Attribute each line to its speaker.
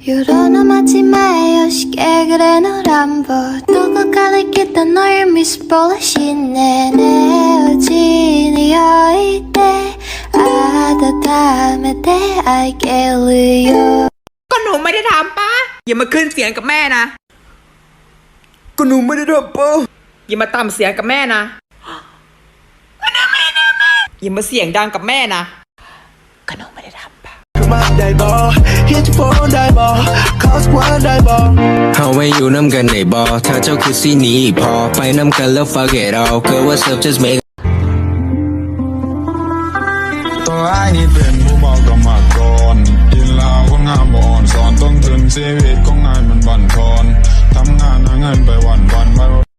Speaker 1: 요런 마지막에 쉽게 그래 널안 봐 누가 가리켰다 널 미스볼라시네 내 어진이 어이때 아다 다음에 때 알게르요
Speaker 2: ก็หนูไม่ได้ทำป้าอย่ามาขึ้นเสียงกับแม่นะก็หนูไม่ได้ทำป้าอย่ามาต่ำเสียงกับแม่นะอย่ามาเสียงดังกับแม่นะก็หนูไม่ได้ทำป้า
Speaker 3: เฮาไว้อยู่น้ำกันในบอถ้าเจ้าคือสีนี้พอไปน้ำกันแล้ว fuck it all girl what's up just make
Speaker 4: ตัวไอ้นี่เป็นผู้บอกกับมาก่อนกินเหล้าคนงามบ่อ่อนสอนต้องถึงชีวิตของนายมันบั่นทอนทำงาน